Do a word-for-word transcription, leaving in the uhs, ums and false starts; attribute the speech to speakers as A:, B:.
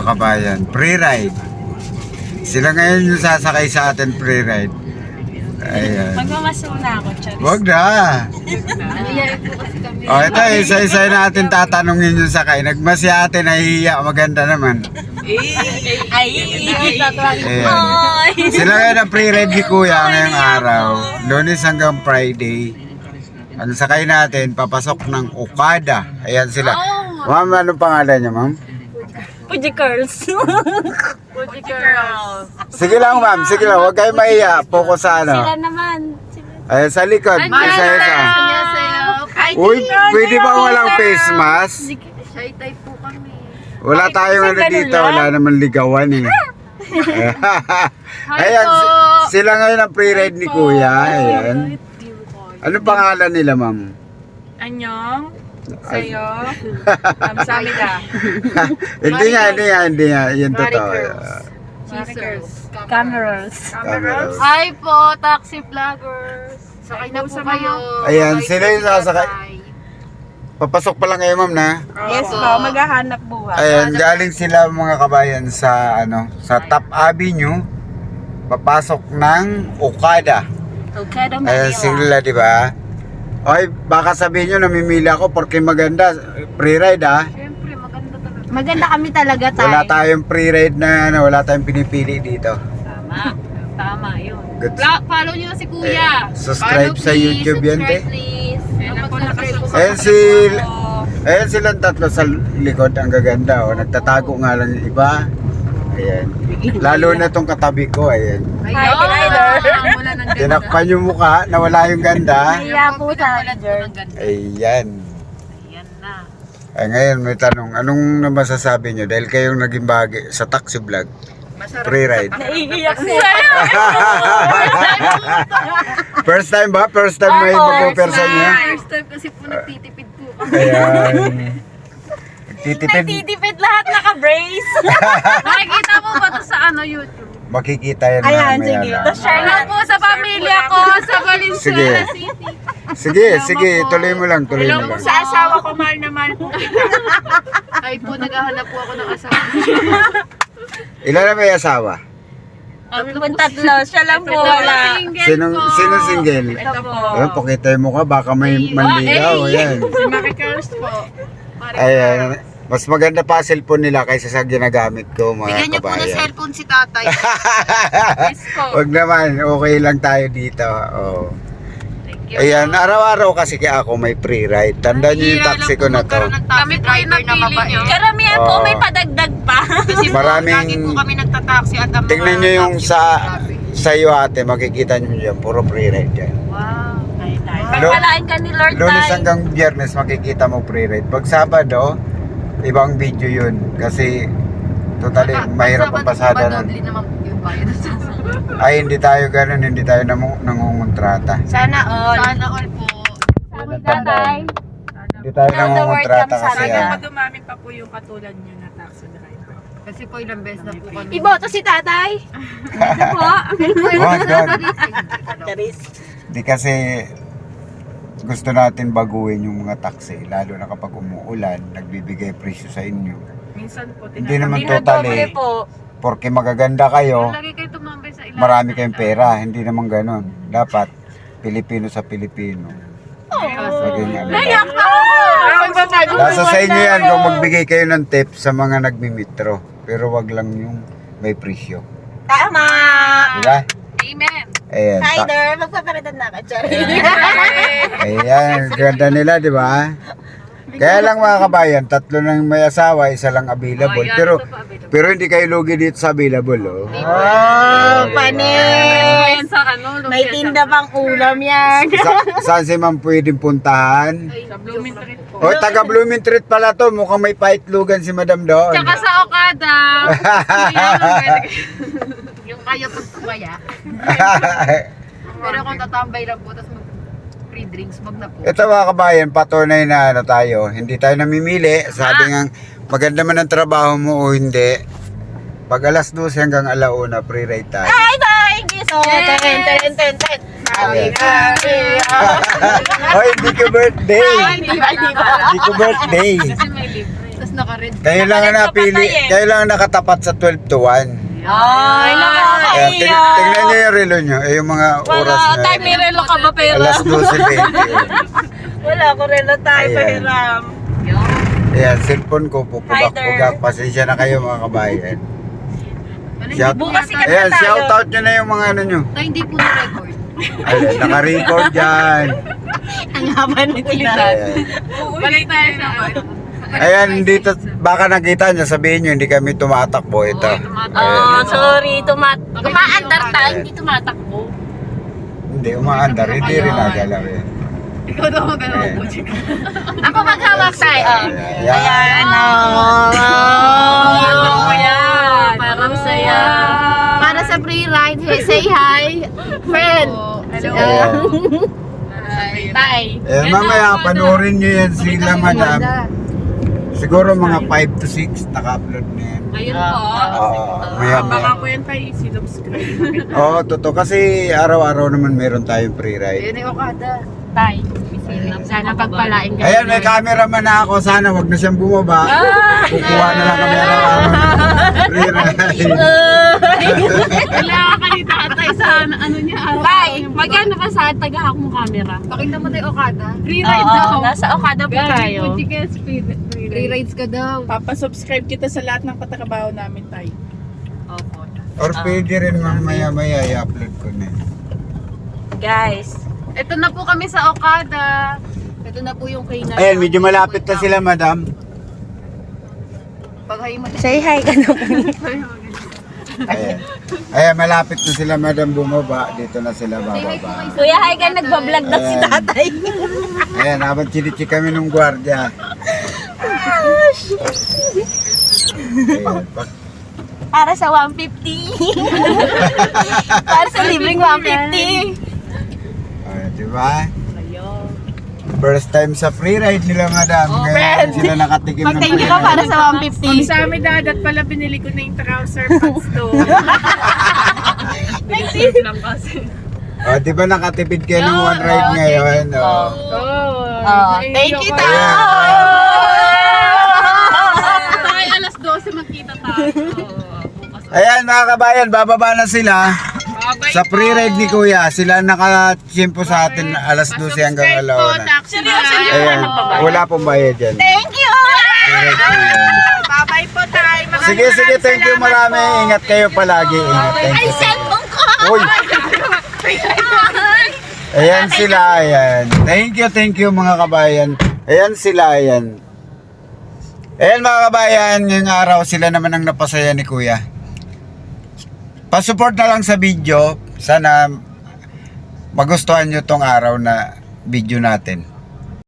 A: mga kabayan, pre-ride. Sila ngayon yung sasakay sa atin pre-ride. Ayan.
B: Magmamasul na ako, Charis.
A: Wag na. O ito, isa-isa natin tatanungin yung sakay. Nagmasi ate, nahihiya, maganda naman.
B: Ay!
A: Ayan.
B: Ay!
A: Sila ngayon ang pre-ride ni Kuya ngayong araw. Lunes hanggang Friday. Ang sakay natin, papasok ng Okada. Ayan sila. Ma'am, anong pangalan niya, ma'am?
B: Puji Curls. Puji Curls.
A: Sige lang, ma'am. Sige lang. Huwag kayo mahiya. Focus sa ano.
B: Sila naman.
A: Ayan, sa likod. Isa-isa. Uy, pwede ba walang face mask?
C: Shy type po kami.
A: Wala tayong ano dito. Wala naman ligawan eh. Ayan, si- sila ngayon ang pre-ride ni Kuya. Ayan. Ano pangalan nila, ma'am?
B: Anyong. Sa'yo. Kamsamida.
A: Hindi nga, hindi nga, hindi nga. Yan totoo.
C: Cheezers.
B: Camerals.
A: Cameras.
C: Hi po, taxi vloggers. Sakay na po kayo.
A: Ayan, sila yung sasakay. Papasok pa lang kayo, ma'am, na?
B: Yes po, maghahanap buhay.
A: Ayan, galing sila mga kabayan sa ano, sa Top Avenue. Papasok ng Okada.
B: Okay, daw
A: Ayan sila, di ba? Oy, baka sabihin nyo namimili ako porque maganda. Pre-ride ah.
C: Siyempre, maganda talaga.
B: Maganda kami talaga tayo.
A: Wala tayong pre-ride na ano, wala tayong pinipili dito.
C: Tama. Tama yun.
A: Good.
C: Vlog, follow nyo na si Kuya.
A: Eh, subscribe
C: Follow,
A: sa
C: please.
A: YouTube yan, te.
C: Subscribe, please. Mag-subscribe po.
A: Ayan si Ayan silang tatlo sa likod, ang gaganda oh. Nagtatago nga lang yung iba. Ayan. Lalo na tong katabi ko, ayan.
C: Hi,
B: Rider.
C: Wala ng ganda.
A: Tinakpan yung mukha, nawala yung ganda.
B: Kaya po sa
C: Wala po ng ganda.
A: Ayan.
C: Ayan na.
A: Ay, ngayon may tanong, anong masasabi nyo? Dahil kayong naging bahagi sa taxi vlog, pre-ride.
B: Naiiyak siya.
A: First time ba? First time may
B: Oo,
A: magpo-person niya?
C: First time kasi po nagtitipid po kami.
A: Ayan. Titipid.
B: Nagtitipid lahat naka-brace.
C: Nakikita mo ba ito sa ano YouTube?
A: Makikita yan
B: Ayan,
A: mamaya
B: sige.
A: na.
B: Tapos share
C: Hello
B: na
C: po sa pamilya ko sa Valenzuela
A: Sige.
C: City.
A: Sige, sige, tuloy mo lang, tuloy
B: Hello
A: mo
B: po
A: lang.
B: sa asawa ko, mahal na mahal po kita.
C: Ay po, naghahanap po ako ng asawa.
A: Ilan na may asawa?
B: Kami po tatlo, siya lang po wala.
A: Sino, sino single?
B: Ito po.
A: Ayan, pakita mo ka, baka may manligaw. Ayan.
B: Si Maki Curls po.
A: Ayan. Mas maganda pa cellphone nila kaysa sa ginagamit ko, mga
C: Bigyan niyo po ng
A: kabayan.
C: cellphone si tatay. Yes po.
A: Wag naman, okay lang tayo dito. Oh.
C: Thank you.
A: Ayan, araw-araw kasi kaya ako may pre-ride. Tandaan niyo yung taxi ko na to.
C: Kami po yung napili nyo.
B: Karamihan po
A: Oo.
B: may padagdag pa.
C: Kasi po,
A: Maraming-
C: lagi po kami nagtataksi at ang
A: Tingnan
C: mga
A: niyo yung
C: taxi
A: sa
C: grabe.
A: sa iyo ate, makikita niyo yan, puro pre-ride yan.
C: Wow.
B: Pagpalain ka ni Lord
A: Lunes
B: tayo.
A: hanggang Biyernes makikita mo pre-ride. Pag Sabado, ibang video yun kasi totally mahirap ang pasada nun.
C: Doble naman po yung bayad sa sasakyan.
A: Ay, hindi tayo ganun, hindi tayo namu- nangungontrata.
B: Sana all.
C: Sana all po.
B: Sabi tatay.
A: Hindi tayo
B: Now the word
A: nangungontrata
B: comes
A: kasi
B: sana.
A: ah.
D: Dumami pa po yung katulad nyo na taxi driver.
C: Kasi po ilang beses na po kami.
B: Iboto si tatay. Ito po.
A: Wag, wag.
B: Charis.
A: Di kasi gusto natin baguhin yung mga taxi, lalo na kapag umuulan, nagbibigay presyo sa inyo.
D: Minsan po,
A: Hindi naman
B: Dinodoble
A: totally,
B: po.
A: porque magaganda kayo,
C: Lagi kayo tumambay sa ilalim.
A: marami kayong pera, hindi naman ganon. Dapat, Pilipino sa Pilipino. Maging ano.
B: Nayak na.
A: Nasa sa inyo yan kung magbigay kayo ng tip sa mga nagmimitro. Pero wag lang yung may presyo.
B: Tama.
A: Diba?
C: Amen.
A: Ayan. ta-
B: Rider, magpapalitan na ka, Charis.
A: Ayan, ganda nila, di ba? Kaya lang mga kabayan, tatlo lang may asawa, isa lang available. Pero pero hindi kayo lugi dito sa available, oh.
B: Oh, panis.
C: Sa ano,
B: May tinda pang ulam yan.
A: Sa, saan si ma'am pwedeng puntahan?
D: Sa Blooming Street po.
A: O, taga Blooming Street pala to. Mukhang may paitlugan si madam doon.
C: Tsaka sa Okada. Yung kaya pagkumaya. Pero kung tatambay lang po, tapos mag free drinks, wag na po.
A: Ito mga kabayan, patunay na ano tayo. Hindi tayo namimili. Sabi nga, maganda man ang trabaho mo o hindi. Pag alas dose hanggang alauna, pre-ride tayo.
B: Ay, thank you so much. Ten, ten, ten, ten. Happy, happy,
A: Hoy, hindi ko birthday.
B: Hindi ba, hindi ba?
A: Hindi ko birthday.
C: Kasi may libre. Tapos naka-red.
A: Kayo lang ang napili, kayo lang ang nakatapat sa twelve to one.
B: Ay,
A: Ayan, ting
B: nakakaiyak.
A: tingnan nyo yung relo nyo, eh, yung mga oras
B: Wala,
A: na.
B: tayo may relo ka ba pero?
A: Alas twelve twenty.
B: Wala ko relo tayo,
A: Ayan.
B: pahiram.
A: Ayan, cellphone ko, pupugak-pugak. Pasensya na kayo mga kabayan. Shout,
B: Bukas sikat na
A: ayan,
B: tayo.
A: shout out nyo na yung mga ano nyo.
C: Ay, hindi po na-record.
A: Ayan, naka-record dyan.
B: Ang haba ng tila.
A: Ayan.
C: Balik tayo sa ano.
A: Ayan, dito, baka nakita nyo, sabihin nyo, hindi kami tumatakbo ito.
B: Oh, sorry, tumat tumaandar tayo, hindi tumatakbo.
A: Hindi, umaandar, hindi rin nagalaw yan.
C: Ikaw daw magalaw po.
B: Ako maghawak tayo.
A: Ayan.
B: Ayan,
C: Ano
B: oh.
C: ko yan?
B: Parang saya.
C: Para sa free ride, hey, say hi. Friend. Hello.
A: Ayan.
B: Tay.
A: Eh, mamaya, panoorin nyo yan sila, madam. Siguro mga five to six naka-upload na yan.
C: Ayun
B: Ah.
C: po.
A: Oo, maya
D: Baka
A: maya.
D: po yan tayo i-subscribe.
A: Oo, totoo. Kasi araw-araw naman meron tayong free ride.
C: Ayun yung Okada.
B: Tay.
C: Sana pagpalain ka.
A: Ayan, may cameraman na ako. Sana wag na siyang bumaba. Kukuha na lang kami araw-araw ng free ride.
C: Kailangan ka dito atay sa ano niya.
B: Tay, magkano ka sa tagahak mo camera?
C: Pakita mo tayo Okada. Free
B: Oo, nasa Okada po tayo.
C: Free rides ka daw.
D: Papasubscribe kita sa lahat ng katrabaho namin tayo.
C: Opo.
A: Or pwede rin mamaya-maya i-upload ko na.
B: Guys,
C: Ito na po kami sa Okada. Ito na po yung kay na.
A: Ayan, medyo malapit na sila, madam.
C: Pag-hi mo.
B: say hi ka na po.
A: Ayan. Ayan, malapit na sila, madam, bumaba. Dito na sila bababa.
B: Kuya, hi ka, nagbablog na si
A: Ayan.
B: tatay.
A: Ayan, habang chinichi kami ng gwardiya. Ayan, pag-
B: Para sa one fifty. Para sa libreng one fifty.
A: Ayan, di ba? First time sa free ride nila, madam. Ngayon sila nakatikim ng
B: Mag-thank
A: free
B: you ka para
A: ride.
B: sa one fifty.
D: Ang sa amin dadat pala binili ko na yung trouser pants doon. Nag-save lang kasi.
A: Oh, di ba nakatipid kayo ng one ride ngayon? Oh.
B: Oh, thank you, Tay.
C: Tayo alas twelve magkita tayo.
A: Ayan, mga kabayan, bababa na sila. Sa free ride ni Kuya, sila nakachimpo sa atin alas twelve hanggang alauna.
B: Seryoso niyo
A: Ayan,
B: ba nagbabayad?
A: wala pong bayad yan.
B: Thank you!
A: Free ride po yan.
D: Bye-bye po tayo.
A: Sige, sige, thank you marami. Ingat kayo palagi. Ingat, thank
B: Ay,
A: you.
B: cellphone ko!
A: Uy! Ayan sila, ayan. Thank you, thank you mga kabayan. Ayan sila, ayan. Ayan mga kabayan, ngayong araw sila naman ang napasaya ni Kuya. Pasupport na lang sa video. Sana magustuhan nyo tong araw na video natin.